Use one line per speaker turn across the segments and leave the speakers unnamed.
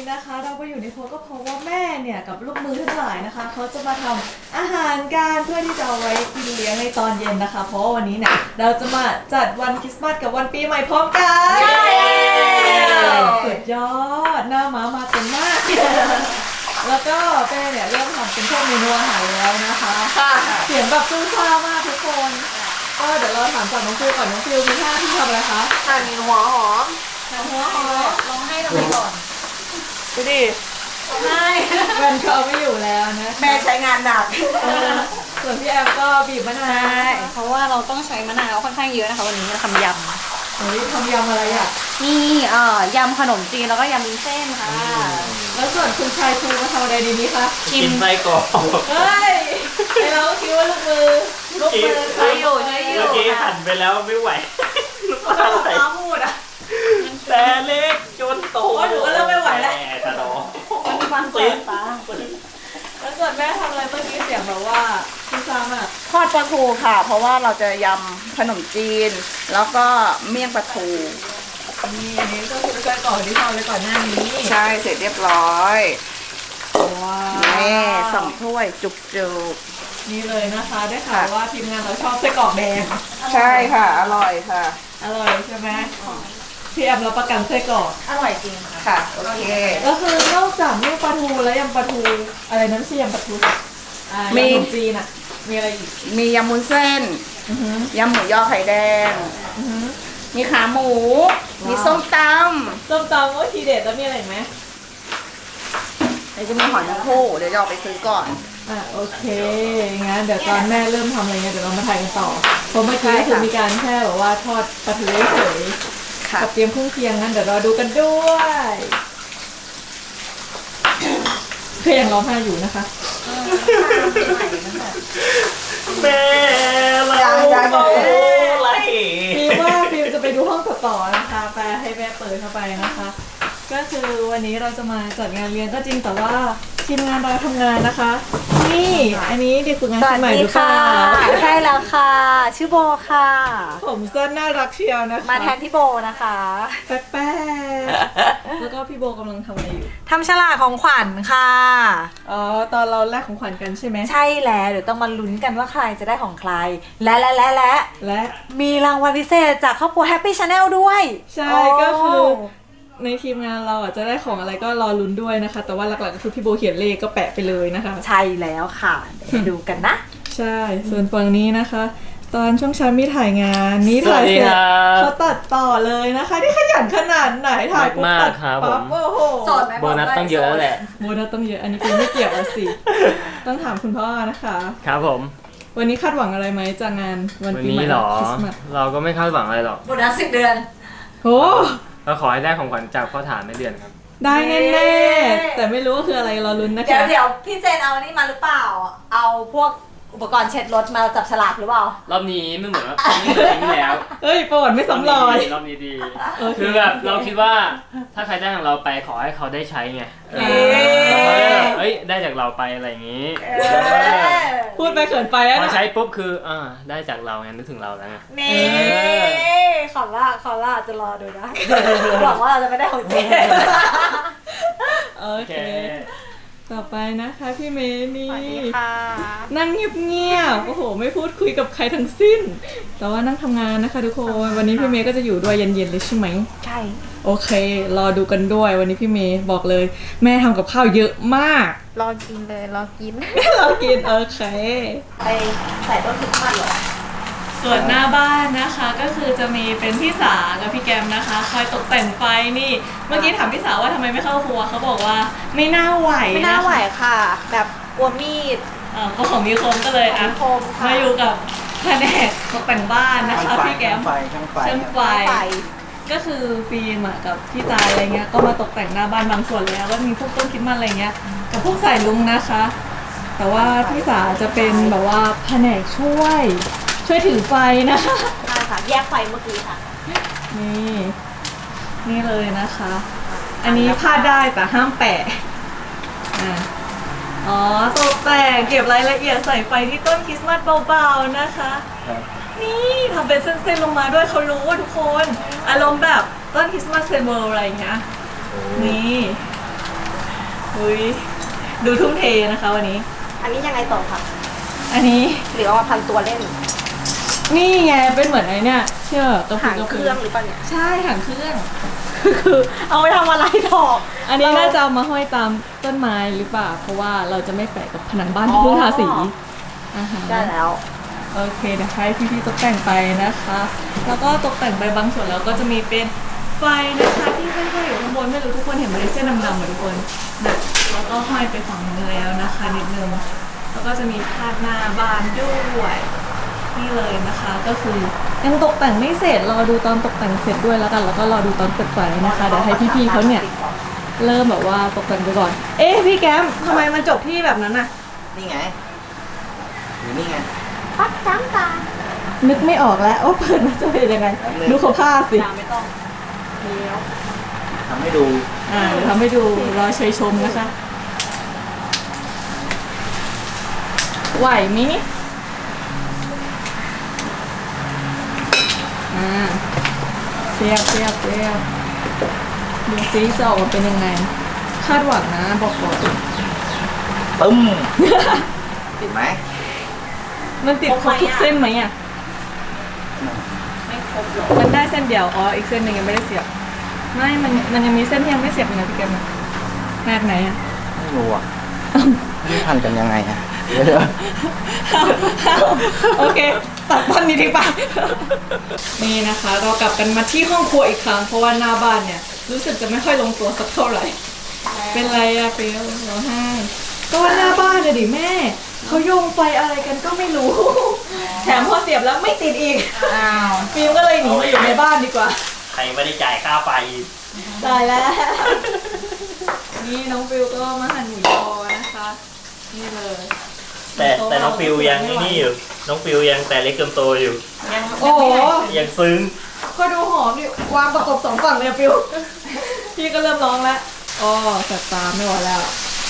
นะคะเราไปอยู่ในครัวก็เพราะว่าแม่เนี่ยกับลูกมือทั้งหลายนะคะเขาจะมาทำอาหารกันเพื่อที่จะเอาไว้กินเลี้ยงในตอนเย็นนะคะเพราะว่าวันนี้เนี่ยเราจะมาจัดวันคริสต์มาสกับวันปีใหม่พร้อมกันใช่สุดยอดหน้าม้ามาเต็มมากแล้วก็แม่เนี่ยเริ่มทำเป็นพวกเมนูอาหารแล้วนะคะเสียงแบบซู่ซ่ามากทุกคนก็เดี๋ยวเราถามจากน้องฟิวก่อนน้องฟิวมีท่าที่ทำอะไรคะ
หั่นหัวหอม
ลองให้ทำไมก่อน
ดูดิ
ใช่
แฟนเขาไม่อยู่แล้วนะ
แม่ใช้งานหนัก
ส่วนพี่แอมก็บีบมะนาว
เพราะว่าเราต้องใช้มะนาวค่อนข้างเยอะนะคะวันนี้ทำยำ
เฮ้ยทำยำอะไรอ่ะ
นี่ยำขนมจีนแล้วก็ยำวุ้นเส้นค่ะ
แล้วส่วนคุณชายภูมาทำอะไรดีนี้คะ
กินไส้กรอก
เฮ้ยไอเราคิดว่าลูกมือ
ใช้อยู่ใช้อยู่
เมื่อกี้หั่นไปแล้วไม่ไหว
ก็ต้องตาพูดอ่ะ
แต่เล็กจนโต
หนูก็เริ่มไม่ไหวแล้ว
ตาโต
มันฟังแสบตา
แล้วส่วนแม่ทำอะไรเมื่อกี้เสียงแบบว่าคุณซ้ำอ่ะ
ทอดปลาทูค่ะเพราะว่าเราจะยำขนมจีนแล้วก็เมี่ยงปลาทู
นี่อันนี้ก็คือไส้กรอกที่ทำไปก่อนหน้านี้
ใช่เสร็จเรียบร้อย
ว้าว
แม่2 ถ้วยจุก
นี่เลยนะคะได้ข่าวว่าทีมงานเราชอบไส้กรอกแดง
ใช่ค่ะอร่อยค่ะ
อร่อยใช่ไหมพี่แอมเราประกันไส้กรอก
อร่อยจริง
ค่ะโอเค
ก็คือนอกจากเมี่ยงปลาทูและยำปลาทูอะไรนั้นไม่ใช่ยำปลาทูมีขนมจีนอ่ะมีอะไรอีก
มียำวุ้นเส้นยำหมูยอไข่แดงมีขาหมูมีส้มต
ำก็ทีเด็ดแล้วมีอะไรไหม
เดี๋ยวจะมีหอยนางรมเดี๋ยวจะออกไปซื้อก่อน
โอเคงั้นเดี๋ยวตอนแม่เริ่มทำอะไรเงี้ยเดี๋ยวเรามาถ่ายกันต่อเพราะเมื่อกี้คือมีการแค่แบบว่าทอดปลาทูเฉยกับเตรียมเครื่องเคียงงั้นเดี๋ยวเราดูกันด้วยเพื่อนร้องไห้อยู่นะคะ
แม่เราอะไร
ฟิวว่าฟิวจะไปดูห้องต่อนะคะไปให้แม่เปิดเข้าไปนะคะก็คือวันนี้เราจะมาจัดงานเลี้ยงก็จริงแต่ว่าทีมงานเราทำงานนะคะนี่อันนี้เด็กฝึกงานคนใหม่หรือเปล่า
ใช่แล้วค่ะชื่อโบค่ะ
ผมสั้นน่ารักเชียวนะคะ
มาแทนพี่โบนะคะ
แป๊ะแล้วก็พี่โบกำลังทำอะไรอยู่
ทำฉลากของขวัญค่ะ
อ๋อตอนเราแลกของขวัญกันใช่ไหม
ใช่แล้วเดี๋ยวต้องมาลุ้นกันว่าใครจะได้ของใครและมีรางวัลพิเศษจากครอบครัว Happy Channel ด้วย
ใช่ก็คือในทีมงานเราจะได้ของอะไรก็รอลุ้นด้วยนะคะแต่ว่าหลักๆก็คือพี่โบเขียนเลขก็แปะไปเลยนะคะ
ใช่แล้วค่ะดูกันนะ
ใช่ส่วนฝั่งนี้นะคะ ตอนช่วงเช้ามีถ่ายงานนี่ถ่ายเสร็จเขาตัดต่อเลยนะคะที่ขยันขนาดไหนถ่ายปุ๊บตัดปั๊บโอ้โห
โบนัสต้องเยอะแหละ
โบนัสต้องเยอะอันนี้คือไม่เกี่ยวสิต้องถามคุณพ่อนะคะ
ครับผม
วันนี้คาดหวังอะไรไหมจากงานวันปีใหม่คริสต์มาส
เราก็ไม่คาดหวังอะไรหรอก
โบนัส10 เดือน
โอ้
เราขอให้ได้ของขวัญจากพ่อฐานในเดือนครับ
ได้แน่ๆแต่ไม่รู้ว่าคืออะไรรอลุ้นนะคะ
เดี๋ยวพี่เจนเอานี่มาหรือเปล่าเอาพวกอุปกรณ์เช็ดรถมาจับฉลากหรือเปล่าร
อบนี้ไม่เหมือนว่าไม่เหมือนที่แล้ว
เอ้ยประวัติไม่ซ้ำรอย
รอบนี้ดีคือแบบเราคิดว่าถ้าใครได้ของเราไปขอให้เขาได้ใช้ไงเฮ้ยได้จากเราไปอะไรอย่างนี้
พูดไปเขินไปอะ
พอใช้ปุ๊บคือได้จากเราไงนึกถึงเราแล้วไง
นี่ขอล่าจะรอดูนะหวังว่าเราจะไม่ได้ของเจน
โอเคต่อไปนะคะพี่เมย์นี่
สวัสดีค่ะ
นั่งเงียบๆโอ้โหไม่พูดคุยกับใครทั้งสิ้นแต่ว่านั่งทำงานนะคะทุกคนวันนี้พี่เมย์ก็จะอยู่ด้วยเย็นๆเลยใช่ไหม
ใช่
โอเครอดูกันด้วยวันนี้พี่เมย์บอกเลยแม่ทำกับข้าวเยอะมาก
รอกินเลยรอกิน
โอเค
ไปใส่ต้นคริสต์มาสเหรอ
ส่วนหน้าบ้านนะคะก็คือจะมีเป็นพี่สากับพี่แกมนะคะคอยตกแต่งไฟนี่เมื่อกี้ถามพี่สาว่าทำไมไม่เข้าครัวเขาบอกว่าไม่น่าไหว
ค่ะแบบกลัวมีด
ก็ของมีคมก็เลยมาอยู่กับแผนกตกแต่งบ้านนะคะพี่แกมช่างไฟก็คือฟิล์มกับพี่จายอะไรเงี้ยก็มาตกแต่งหน้าบ้านบางส่วนแล้วก็มีพวกต้นคริสต์มาสอะไรเงี้ยกับพวกสายลุงนะคะแต่ว่าพี่สาจะเป็นแบบว่าแผนกช่วยถือไฟนะคะ
ใช่ค่ะแยกไฟเมื่อกี้ค่ะ
นี่เลยนะคะอันนี้พลาดได้แต่ห้ามแปะตกแต่งเก็บรายละเอียดใส่ไฟที่ต้นคริสต์มาสเบาๆนะคะนี่ทำเป็นเส้นๆลงมาด้วยเขารู้ว่าทุกคนอารมณ์แบบต้นคริสต์มาสเซเบอร์อะไรเงี้ยนี่อุ้ยดูทุ่มเทนะคะวันนี้
อันนี้ยังไงต่อคะ
อันนี้
หรือเอามาพันตัวเล่น
นี่ไงเป็นเหมือนไอ้เนี่ยเชื่อกระ
หางเครื่องหรือเปล่าเนี่ย
ใช่หางเครื่อง
คือเอาไปทำอะไรถอก
อันนี้น่าจะเอามาห้อยตามต้นไม้หรือเปล่าเพราะว่าเราจะไม่แปะกับผนังบ้านที่เพิ่งทาสีอาหาร
ได้แล้ว
โอเคเดี๋ยวให้พี่ๆตกแต่งไปนะคะ แล้วก็ตกแต่งไปบางส่วนแล้วก็จะมีเป็นไฟนะคะที่ห้อยๆอยู่ข้างบนไม่รู้ทุกคนเห็นไหมเส้นดำๆเหมือนทุกคนนะแล้วก็ห้อยไปฝั่งนึงแล้วนะคะนิดนึงแล้วก็จะมีพาดหน้าบานด้วยนี่เลยนะคะ ก็คือยังตกแต่งไม่เสร็จรอดูตอนตกแต่งเสร็จด้วยแล้วกันแล้วก็รอดูตอนเปิดไฟนะคะเดี๋ยวให้พี่ๆเขาเนี่ยเริ่มแบบว่าตกแต่งไปก่อน เอ๊ะพี่แก้มทำไมมันจบที่แบบนั้นน่ะ
นี่ไงอยู่นี่ไง
ปักจ้ำตา
นึกไม่ออกแล้วว่าเปิดมาจะเป็นยังไงดูเขาผ้าสิ
ไม่ต้องเลี้ยว
ทำให้ดู
เดี๋ยวทำให้ดูรอเชยชมนะคะ ไหวไหมนี่เสียบดูซิจะออกมาเป็นยังไง คาดหวังนะบอกก่อน
ตึ้ม ติดไหม
มันติดครบทุกเส้นไหมอ่ะ
ไม่ครบหรอก
มันได้เส้นเดียว อ๋อ อีกเส้นหนึ่งยังไม่ได้เสียบ ไม่ มันยังมีเส้นที่ยังไม่เสียบอยู่นะพี่แกมแนบไหนอ่ะ
ไม่รู้อ่ะนี่พันกันยังไงอ่ะเดี๋ยว
โอเค ตัดตอนนี้ทิ้งไป นี่นะคะ เรากลับกันมาที่ห้องครัวอีกครั้ง เพราะว่าหน้าบ้านเนี่ย รู้สึกจะไม่ค่อยลงตัวสักเท่าไหร่ เป็นไรอะเฟลร้องไห้ก็ว่าหน้าบ้านเลยดิแม่เขาโยงไฟอะไรกันก็ไม่รู้ แถมพอเสียบแล้วไม่ติดอีก
อ้าว
ฟิล์มก็เลยหนีมาอยู่ในบ้านดีกว่า
ใครไม่ได้จ่ายค่าไฟ
ได้แล้ว นี่น้องฟิลก็มาหั่นหมูยอนะคะ นี่เลย
แต่น้องฟิวยังนี่อยู่ น้องฟิวยังแต่เล็กเกินโตอยู่
โอ้โห
ยังซึ้ง
ก็ดูหอมดิวางประกบสองฝั่งเลยอะฟิล พี่ก็เริ่มร้องแล้วอ๋อแสบตาไม่ไหวแล้ว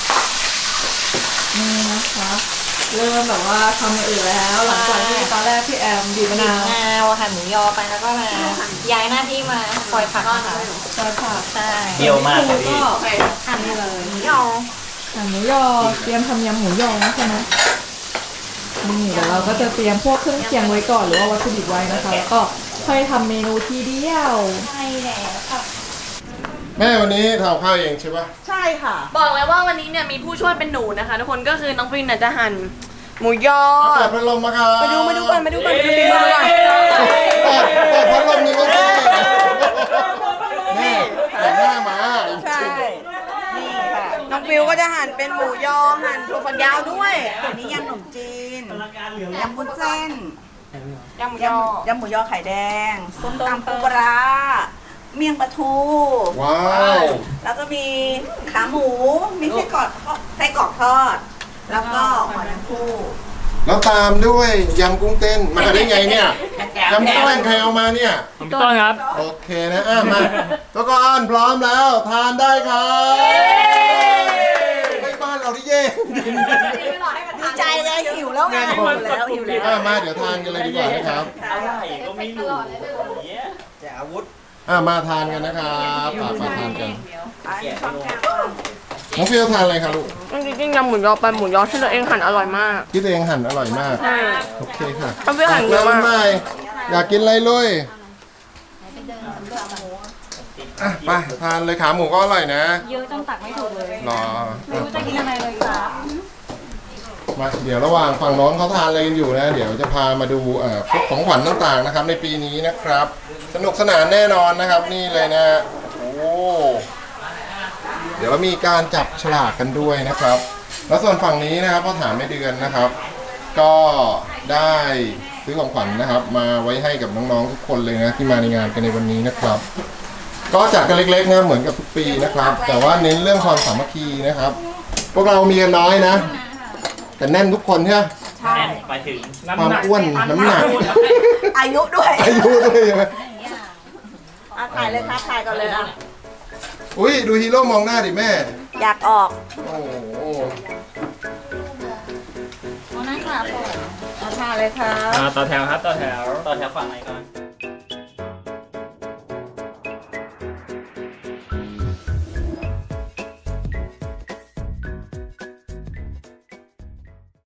นี่นะคะ เริ่มแบบว่าทำอย่างอื่นแล้ว หลังจากที่ตอนแรกพี่แอมบีบมะนาว
หั่นหมูยอไปแล้วก็มาย้ายหน้าที่มาคอยผักค่ะ
ซอยผัก
ใช่
เปรี้ยวมาก
แล้
ค่ะ
ว
พี่
ก็
หั่นเลยหมูยอ
หั่นหมูยอเตรียมทำยำหมูยอนะใช่ไหมนี่เดี๋ยวเราก็จะเตรียมพวกเครื่องเคียงไว้ก่อนหรือว่าวัตถุดิบไว้นะคะแล้วก็ค่อยทำเมนูทีเดียว
ใช่แล้วค่ะ
แม่วันนี้ทำข้าวเองใช่ปะ
ใช่ค่ะ
บอกเลยว่าวันนี้เนี่ยมีผู้ช่วยเป็นหนูนะคะทุกคนก็คือน้องฟินเนี่ยจะหั่นหมูยอ
เปิดพัดลมมาครับ
มาดูก่อนดูฟินมาดูก่อน
เปิดพัดลมนี่ก็ได้แม่แต่งหน้ามา
ใช่นี่ค่ะน้องฟิวก็จะหั่นเป็นหมูยอหั่นถั่วฝักยาวด้วย
อันนี้ยำขนมจีน ยำวุ้นเส้น
ยำหมูยอย
ำหมูยอไข่แดง ส้มตำปูปลาเมี่ยงปลาทู
ว้าว
แล้วก็มีขาหมู มีไส้กรอกทอด แล้วก็หอยนางรม
แล้วตามด้วยยำกุ้งเต้นมาได้ไงเนี่ยยำกุ้งเต้นใครเอามาเนี่ย
ผมพี่ต้นครับ
โอเคนะมาตัวก่อนพร้อมแล้วทานได้ครับไปบ้านเราที่เย่
ดีใจเลยหิวแล้วไงหิวแล้ว
มาเดี๋ยวทานกันเลยดีกว่านะครับ
อะไรก็ไม่รู้
แต่อาวุธ
มาทานกันนะครับมาทานกัน
แกะไม่ลง
น้องฟิวทานอะไรครับลูก
จริงๆยำหมูยอเป็นหมูยอที่เราเองหั่นอร่อยมาก
ที่ตัวเองหั่นอร่อยมาก
ใช่
โอเคค่ะ
น้องฟิวหั่นเยอะ
แล้ว
มาก
ใหม่อยากกินอะไรลุยไปทานเลยขาหมูก็อร่อยนะ
เยอะจนตักไม่ถูกเลย
รอ
ไม่รู้จะกินอะไรเลยค่ะ
มาเดี๋ยวระหว่างฝั่งน้องเขาทานอะไรกันอยู่นะ เดี๋ยวจะพามาดูพวกของขวัญต่างๆนะครับ ในปีนี้นะครับ สนุกสนานแน่นอนนะครับนี่เลยนะโอ้เดี๋ยวเรามีการจับฉลากกันด้วยนะครับ แล้วส่วนฝั่งนี้นะครับพ่อถามไม่เดือนนะครับ ก็ได้ซื้อของขวัญนะครับ มาไว้ให้กับน้องๆทุกคนเลยนะที่มาในงานกันในวันนี้นะครับ ก็จัดกันเล็กๆนะเหมือนกับทุกปีนะครับ แต่ว่าเน้นเรื่องความสามัคคีนะครับ พวกเรามีกันน้อยนะ แต่แน่นทุกคนใช่ไหม
แน่นไปถึง
ความอ้วนน้ำหนัก
อายุด้วย
อายุด้วยใช่ไหม
ถ่ายเลยครับถ่ายก่อนเลยอ่ะ
อุ้ยดูฮีโร่มองหน้าดิแม่
อยากออก
โอ้โห
วันนั้นค่ะผม
ถ่ายเลยครับ
ต่อแถวครับต่อแถวฝั่งไหนก่อน